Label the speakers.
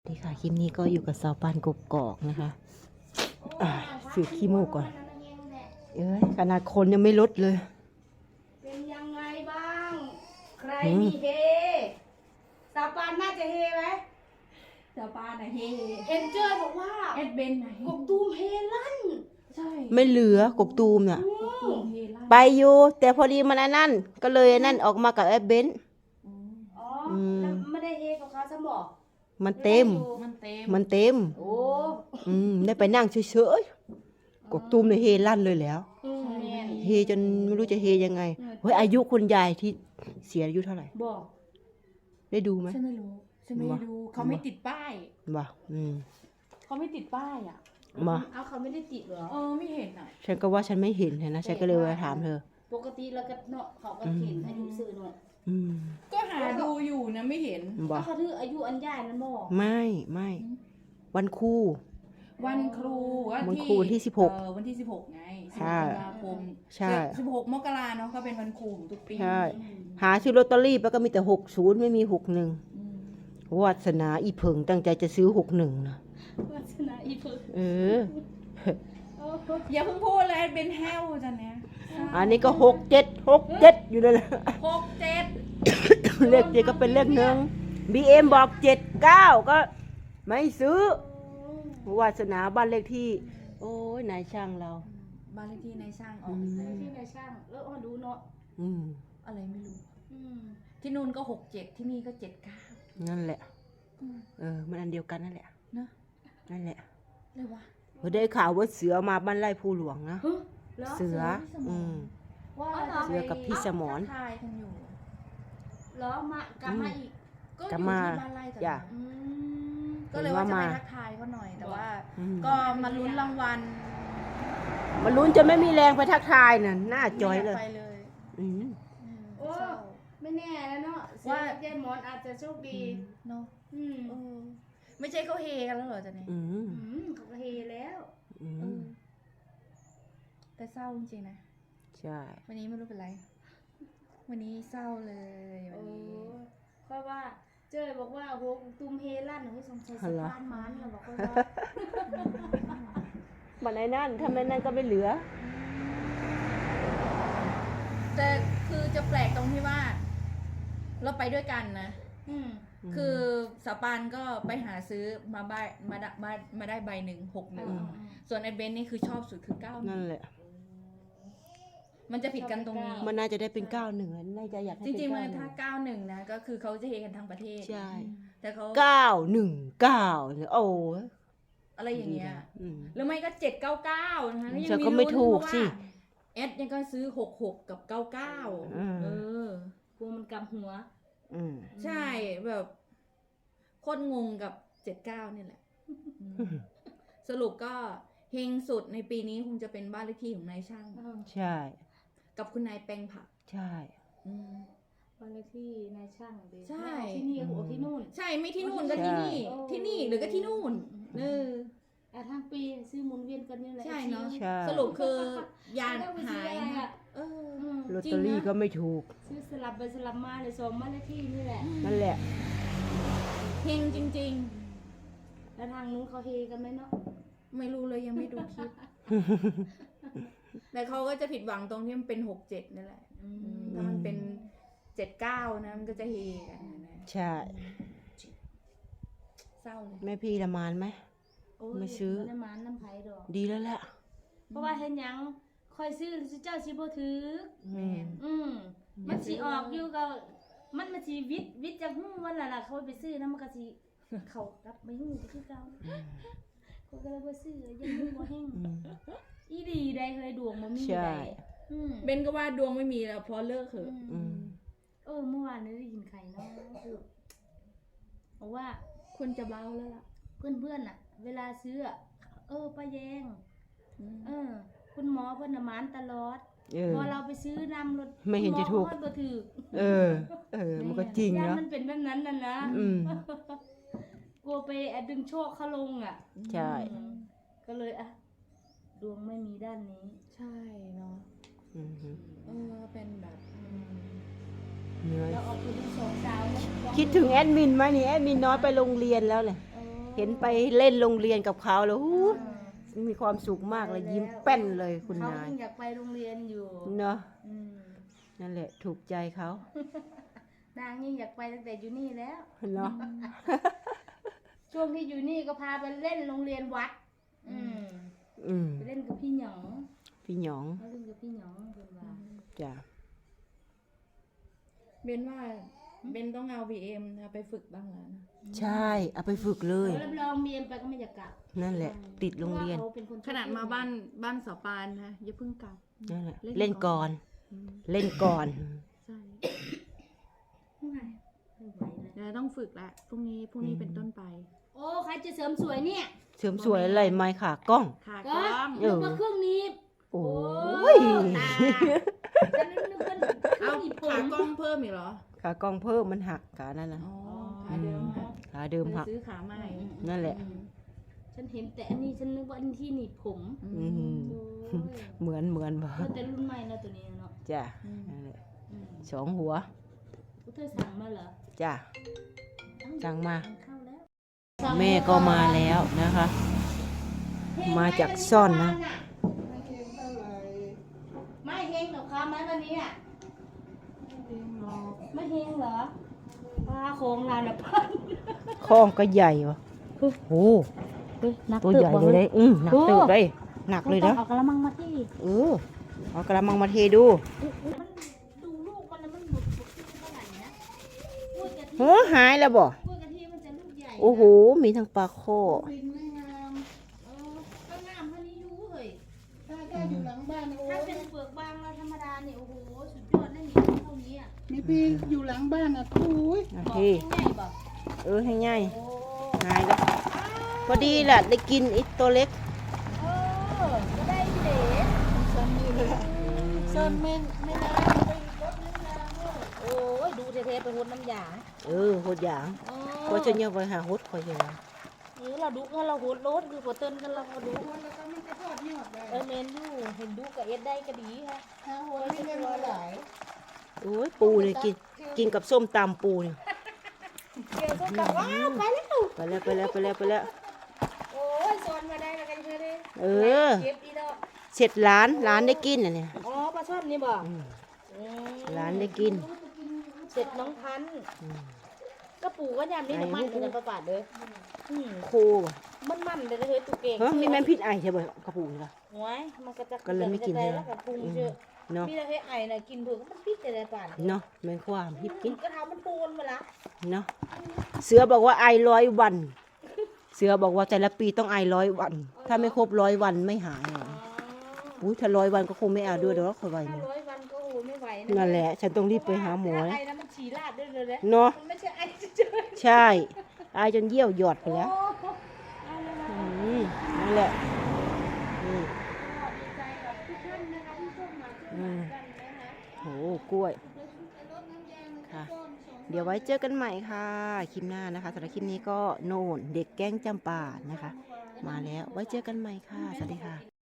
Speaker 1: ดีค่ะคลิปนี้ก็อยู่กับสาวปานกกอกนะคะสืบขี้มูกก่อนขนาดคนยังไม่ลดเลย
Speaker 2: เป็นยังไงบ้างใครมีเฮสาวปานน่าจะเฮไหม
Speaker 3: สาวปานอะเฮ
Speaker 2: เห็นเจอบอกว่า
Speaker 3: เอ็ดเบนไหน
Speaker 2: กบตูมเฮลั่น
Speaker 3: ใช่
Speaker 1: ไม่เหลือกบตูมน่ะ
Speaker 3: กลุ่มเฮล่า
Speaker 1: ไปอยู่แต่พอดีมันอันนั่นก็เลยอันนั่นออกมากับแอปเบนซ์
Speaker 2: อ๋อแล้วไม่ได้เฮกับเขาซะบอก
Speaker 1: มันเต็ม
Speaker 3: มันเต็ม
Speaker 1: มันเต็ม
Speaker 2: โอ้
Speaker 1: ได้ไปนั่งเฉยๆกบตูมเนี่ยเฮลั่นเลยแล้ว
Speaker 2: แม่น
Speaker 1: เฮจนไม่รู้จะเฮยังไงเฮ้ยอายุคุณยายที่เสียอายุเท่าไหร่
Speaker 2: บอก
Speaker 1: ได้ดูไหม
Speaker 3: ฉันไม่รู้ฉันไม่ได้ดูเขาไม่ติดป้าย
Speaker 1: บ่า
Speaker 3: เขาไม่ติดป้ายอ่ะ
Speaker 1: มา
Speaker 2: เอาเขาไม่ได้ติดเหรอ
Speaker 3: ไม่เห็นอ่ะ
Speaker 1: ฉันก็ว่าฉันไม่เห็นนะฉันก็เลยมาถามเธอ
Speaker 2: ปกติเราก็เนาะเขาก็เห็นอายุสื่อเนาะ
Speaker 3: ก็หาดูอยู่นะไม่เห็น
Speaker 1: บ่
Speaker 2: เขาถืออายุอันใหญ่นั่นบอก
Speaker 1: ไม่วันครู
Speaker 3: วันครู
Speaker 1: วันครูวันที่16
Speaker 3: วันที่16ไง
Speaker 1: ใช่
Speaker 3: 16 ตุลาคม
Speaker 1: ใช่
Speaker 3: 16 มกราเนาะก็เป็นวันครูของทุกปี
Speaker 1: ใช่หาซื้อลอตเตอรี่ไปก็มีแต่60ไม่มี61วาสนาอีเพิงตั้งใจจะซื้อ61นะ
Speaker 2: วาสนาอีเพิร์
Speaker 1: เออ
Speaker 3: อย่าเพิ่งพูดเลยเป็นแฮวจันเนี้ย
Speaker 1: อันนี้ก็67อยู่นั่นแหละ
Speaker 3: 67
Speaker 1: เลข7ก็เป็นเลขหนึ่ง BM บอก79ก็ไม่ซื้อวาสนาบ้านเลขที่ โอ้ยนายช่างเรา
Speaker 3: บ้านเลขที่ในช่างออก
Speaker 2: ที่นายช่างแล้วอ๋อดูเนาะ
Speaker 3: อะไรไม่รู้
Speaker 2: อืม
Speaker 3: ที่นู่นก็67ที่นี่ก็79
Speaker 1: นั่นแหละมันอันเดียวกันนั่นแหละ
Speaker 3: เนอะ
Speaker 1: นั่นแหละ
Speaker 3: เลยวะ
Speaker 1: ได้ข่าวว่าเสือมาบ้านไร่ภูหลวงนะ
Speaker 2: แล้ว
Speaker 1: เสือ
Speaker 3: ว่า
Speaker 1: เสือกับพี่สมร
Speaker 3: ทักทายกันอยู่
Speaker 2: แล้วมากลับมาอีก
Speaker 3: ก็
Speaker 1: กลั
Speaker 3: อบ ยู่
Speaker 1: มา
Speaker 3: ที่บ้านไร่กัน
Speaker 1: จ้ะ
Speaker 3: ก็เลยว่าจะ
Speaker 1: มา
Speaker 3: ไปทักทายเขาหน่อย แต่ว่า
Speaker 1: อืม
Speaker 3: ก็มาลุ้นรางวัล
Speaker 1: มันลุ้นจะไม่มีแรงไปทักทายน่ะหน้าจอยเลย
Speaker 3: ไปเลย
Speaker 1: อืม
Speaker 2: โอ้ไม่แน่แล้วเนาะว่า ยายหมอนอาจจะโชคดี
Speaker 3: เนาะ
Speaker 2: อืม
Speaker 3: ไม่ใช่เขาเฮกันแล้วเหรอจ๊ะเนี่ย
Speaker 2: เขาก็เฮแล้ว
Speaker 3: แต่เศร้าจริงๆนะ
Speaker 1: ใช่
Speaker 3: วันนี้ไม่รู้เป็นไร วันนี้เศร้าเลยวันนี้
Speaker 2: เพราะว่าเจ้ยบอกว่าโหตุ้มเฮลั่นให้สงสัยสะพานมันเราบอกว่า
Speaker 1: มันไอ้นั่นทำไมนั่นก็ไม่เหลือ
Speaker 3: แต่คือจะแปลกตรงที่ว่า เราไปด้วยกันนะ คือสาวปานก็ไปหาซื้อมาใบมาได้ใบหนึ่ง61ส่วนไอ้เบนนี่คือชอบสุดคือ91
Speaker 1: นั่นแหละ
Speaker 3: มันจะผิดกันตรงนี้
Speaker 1: มันน่าจะได้เป็น91น่าจะอยากให้
Speaker 3: จ
Speaker 1: เป็น
Speaker 3: ริงๆมัน
Speaker 1: 91
Speaker 3: ถ้า91นะก็คือเขาจะเฮกันทั้งประเทศ
Speaker 1: ใช่
Speaker 3: แต่เขา
Speaker 1: 919เนี่ยโอ้ย
Speaker 3: อะไรอย่างเงี้ย
Speaker 1: อืม
Speaker 3: หรือไม่ก็799นะคะแล้วยั
Speaker 1: ฉัน
Speaker 3: งมี
Speaker 1: ก็ไม่ถูกสิ
Speaker 3: เอสยังก็ซื้อ66กับ99
Speaker 2: กลัวมันกำหัว
Speaker 3: ใช่แบบโคตรงงกับ79นี่แหละสรุปก็เฮงสุดในปีนี้คงจะเป็นบ้านเลขที่ของนายช่าง
Speaker 1: ใช่
Speaker 3: กับคุณนายแปลงผัก
Speaker 1: ใช่
Speaker 2: วันเลขที่นายช่างเด็
Speaker 3: ใช่
Speaker 2: ที่นี่โอ้ที่นู่น
Speaker 3: ใช่ไม่ที่นู่นก็ที่นี่
Speaker 2: ใช่
Speaker 3: ที่นี่หรือก็ที่นู่น
Speaker 2: ทางปีซื้อหมุนเวียนกันนี่แหละ
Speaker 3: ใช่เนาะ
Speaker 1: ใช่
Speaker 3: สรุปคือยานหายนะเออ
Speaker 1: ลอตเตอรี่ก็ไม่ถูก
Speaker 2: ซื้อสลับไปสลับมาเลยสองบ้านเลขที่นี่แหละ
Speaker 1: นั่นแหละ
Speaker 3: เฮงจริง
Speaker 2: แล้วทางนู้นเขาเฮกันไหมเนาะ
Speaker 3: ๆ ไม่รู้เลยยังไม่ดูคลิป แต่เขาก็จะผิดหวังตรงที่มันเป็น67นั่นแหละถ้ามันเป็น79นะมันก็จะเฮกันนะ
Speaker 1: ใช่
Speaker 3: เศร้าเลย
Speaker 1: แม่พี่ละมานไหม
Speaker 2: โอ้ย
Speaker 1: ไม่ซื้อ
Speaker 2: น้ำมันน้ำไผ่ดอก
Speaker 1: ดีแล้วแหละ
Speaker 2: เพราะว่าเห็นหยังคอยซื้อเจ้าชิโบถือ
Speaker 3: แม่น
Speaker 2: มันสิออกอยู่ก็มันสิวิทย์จากหู้วันละล่ะเขาไปซื้อนะมันก็สิเขากลับไปหู้คือเก่าเขาก็เลยบ่ซื้อยังหู้บ่แห้งอีดีได้เคยดวงบ่มี
Speaker 1: ใช่
Speaker 2: ได้
Speaker 3: เบนก็ว่าดวงไม่มีแล้วเพราะเลิกเหอะ
Speaker 2: เมื่อวานนี้ได้ยินใครเนาะพูดบอกว่า
Speaker 3: คนจะเบ้าแล้วล่ะ
Speaker 2: เพื่อนๆน่ะ เวลาซื้ออะป้าแยงคุณหมอเพิ่นน่ะหมานตลอดพอเราไปซื้อนำรถ
Speaker 1: ไม่เห็นจะถูก
Speaker 2: คุณหมอบ่ถือ
Speaker 1: มันก็จริง
Speaker 2: ย่า
Speaker 1: เนาะ
Speaker 2: มันเป็นแบบนั้นน่ะนะกลัวไปดึงโชคเขาลงอ่ะ
Speaker 1: ใช่
Speaker 2: ก็เลยดวงไม่มีด้านนี้
Speaker 3: ใช่เนาะเป็นแบบ
Speaker 1: เหนื่อย
Speaker 2: เราออกไปดูสองสาวนะ
Speaker 1: คิดถึงแอดมินไหมนี่แอดมินน้อยไปโรงเรียนแล้วเลย
Speaker 2: เ
Speaker 1: เห็นไปเล่นโรงเรียนกับเขาแล้วหูมีความสุขมากเลยยิ้มแป้นเลยคุณ
Speaker 2: เขา
Speaker 1: นาย
Speaker 2: เพิ่งอยากไปโรงเรียนอยู่
Speaker 1: เนาะ
Speaker 2: อืม
Speaker 1: นั่นแหละถูกใจเขา
Speaker 2: นางยิ่งอยากไปตั้งแต่อยู่นี่แล้ว
Speaker 1: เนาะ
Speaker 2: ช่วงที่อยู่นี่ก็พาไปเล่นโรงเรียนวัด
Speaker 1: อืม
Speaker 2: ไปเล่นกับพี่หยอง
Speaker 1: พี่หยอง
Speaker 2: เขาเล่นกับพี่หยองเพิ่นว่า
Speaker 1: จ้ะ
Speaker 3: เบนว่าเบนต้องเอา BM นะไปฝึกบ้างแล้วนะ
Speaker 1: ใช่เอาไปฝึกเลย
Speaker 2: รับรองเมียนไปก็ไม่อยากกลับ
Speaker 1: นั่นแหละ ติดโรงเรียน
Speaker 2: พาะว่าขาเป็นคนชอบ
Speaker 3: ขนาดมาบ้านสาวปานนะอย่าเพิ่งกลับ
Speaker 1: นั่นแหละ
Speaker 3: เล่
Speaker 1: เล่
Speaker 3: น
Speaker 1: น
Speaker 3: ก่
Speaker 1: ก่
Speaker 3: อ
Speaker 1: อน น เล่นก่อน
Speaker 3: ใช่
Speaker 2: ไม่ไหวเลย
Speaker 3: แล้วต้องฝึกละพรุ่งนี้เป็นต้นไป
Speaker 2: โอ้ใครจะเสริมสวยเนี่ย
Speaker 1: เสริมสวยอะไรไหมค่ะกล้อง
Speaker 3: ค่ะ
Speaker 2: ก็
Speaker 3: กล้อง
Speaker 2: นึกว่าเครื่องนี้
Speaker 1: โอ้
Speaker 2: โอ้
Speaker 1: ย
Speaker 2: ตาฉันนึกว่าเครื่
Speaker 3: เอา
Speaker 2: องหนีบผ
Speaker 3: ขาม กล้องเพิ่มอีกเหรอ
Speaker 1: ขากล้องเพิ่มมันหักขานั่นนะ
Speaker 3: อ๋อขาเดิมค่ะ
Speaker 1: ขาเดิม
Speaker 3: ไป
Speaker 1: หัก
Speaker 3: ซื้อขาใหม่
Speaker 1: นั่นแหละ
Speaker 2: ฉันเห็นแต่อันนี้ฉันนึกว่าอันที่หนีบผม
Speaker 1: อืม
Speaker 2: โอ้ย
Speaker 1: เหมือนบ่
Speaker 2: เออแต่รุ่นใหม่นะตัวนี้เนาะ
Speaker 1: จ้ะนั่นแหละ
Speaker 2: อืม
Speaker 1: สองหัว
Speaker 2: เธอสั่งมาเหรอ
Speaker 1: จ้ะ
Speaker 2: เอ้า
Speaker 1: สั่งมา
Speaker 2: สั่งเข้าแล้ว
Speaker 1: แม่ก็มาแล้วนะคะ มาจากซ่อนนะ
Speaker 2: ไม่เฮงกับเขาไหมวันนี้อ่ะไม่เฮงเหรอปลาโคงลานพัน
Speaker 1: ข้องก็ใหญ่วะโอ้โห
Speaker 2: นัก
Speaker 1: ตัวใหญ่เลยเลยหนักตึกเลยหนักเลยนะ
Speaker 2: เอากระมังมาที่
Speaker 1: เออเอากระมังมาเทดู
Speaker 2: มันดูลูกมันแล้วมันบุกเท่าไหร่นะกล้วยกะทิ
Speaker 1: โอ้หายแล้วบ่
Speaker 2: กล้วยกะทิมันจะลูกใหญ่นะ
Speaker 1: โอ้โห มีทั้งปลาโค
Speaker 2: บินไม่งามก็งามเท่านี้อยู่เฮ้ย
Speaker 4: ถ้าอยู่หลังบ้านโอ้
Speaker 2: ถ้าเป็นเปลือกบางเราธรรมดาเนี่ยโอ้โหสุดยอดได้หนีเท่านี้อ่ะ
Speaker 4: นี่พี่อยู่หลังบ้านอ่ะทุย
Speaker 1: โอ
Speaker 2: บอก
Speaker 1: เค
Speaker 2: ง่ายๆบอก
Speaker 1: ให้ง่าย
Speaker 2: โอ้
Speaker 1: หายแล้วพอดีแหละได้กินไอ้ตัวเล็ก
Speaker 2: ก็ได้เด็
Speaker 4: ซ้ำนี่เลยซ้ำไม่นานไปรถน้ำยาด้วย
Speaker 2: โอ้ยดูเทๆไปหดน้ำยา
Speaker 1: โหดอย่างก็จะเนี่ยไปหาฮดคอยอย่าง
Speaker 2: เราดูกันเราหดรถคือหัวเติ้นกันเราดู
Speaker 4: แล้วก็มันจะทอดยอดเลย
Speaker 2: เมนดูเห็นดูกับเอ็ดได้ก็ดีค่ะ
Speaker 4: หาหัวไม่เล่นมาหลาย
Speaker 1: โอ้ยปูเลยกินกับส้มตำปูนี่
Speaker 2: เดี๋ยวส้มตำว้าวไปแล้ว
Speaker 1: ไปแล้ว
Speaker 2: โอ้ยสอนมาได้แล้วกันเพื่อนเลย
Speaker 1: เออ
Speaker 2: เก็บอีดอก
Speaker 1: เสร็จร้านได้กินอ่ะเนี่ย
Speaker 2: อ๋อปลาช่อนนี่บ่
Speaker 1: ร้านได้กิน
Speaker 2: เสร็จน้องพันธุ์ก็ปู่ก็ยามนี้น้ำมันกันประบาดเลยอืม
Speaker 1: โคว่ะ
Speaker 2: มันเลยเฮ้ยตุกเก่ง
Speaker 1: เฮ้ยมีแม่นพิษไอใช่ไหมกระปูนี่ล่ะ
Speaker 2: หวยมันก็จะ
Speaker 1: ก็เลยไม่กิน
Speaker 2: เล
Speaker 1: ใช่
Speaker 2: ย
Speaker 1: ไหม
Speaker 2: แล้วกับปรุงเยอะ
Speaker 1: เนาะ
Speaker 2: มีแต่เฮ้ยไอ้น่ะกินเผือกมันพิษแต่ละป่าน
Speaker 1: เนาะแม่นความฮิบกิน
Speaker 2: ก็ทำมันปูนมาละ
Speaker 1: เนาะเสือบอกว่าไอ100 วัน เสือบอกว่าแต่ละปีต้องไอ100 วัน ถ้าไม่ครบ100 วันไม่หายหรอกอุ้ยถ้า100 วันก็คงไม่เอาด้วยเดี๋ยวคอยไว้
Speaker 2: ถ้า
Speaker 1: เนี่ย
Speaker 2: 100 วันก็โอ้ไม่ไหว
Speaker 1: นั่นแหละ ฉันต้องรีบไปหาหมอ
Speaker 2: ไอ้นะมันฉี่ราดได้เลยนะ
Speaker 1: เนาะ
Speaker 2: มันไม่ใช่ไอ้เฉย
Speaker 1: ใช่ไอจนเยี่ยวหยอดไป
Speaker 2: ๆ
Speaker 1: แล้ว
Speaker 2: โอ้เอาเลยนะ
Speaker 1: นั่นแหละอืม
Speaker 2: ดีใจกับทุกท่านนะคะที่ส่งมาช่วยกันนะคะ
Speaker 1: โหกล้วยค่ะ เดี๋ยวไว้เจอกันใหม่ค่ะ คลิปหน้านะคะสำหรับคลิปนี้ก็โน่นเด็กแก๊งจำปานะคะ มาแล้วไว้เจอกันใหม่ค่ะ สวัสดีค่ะ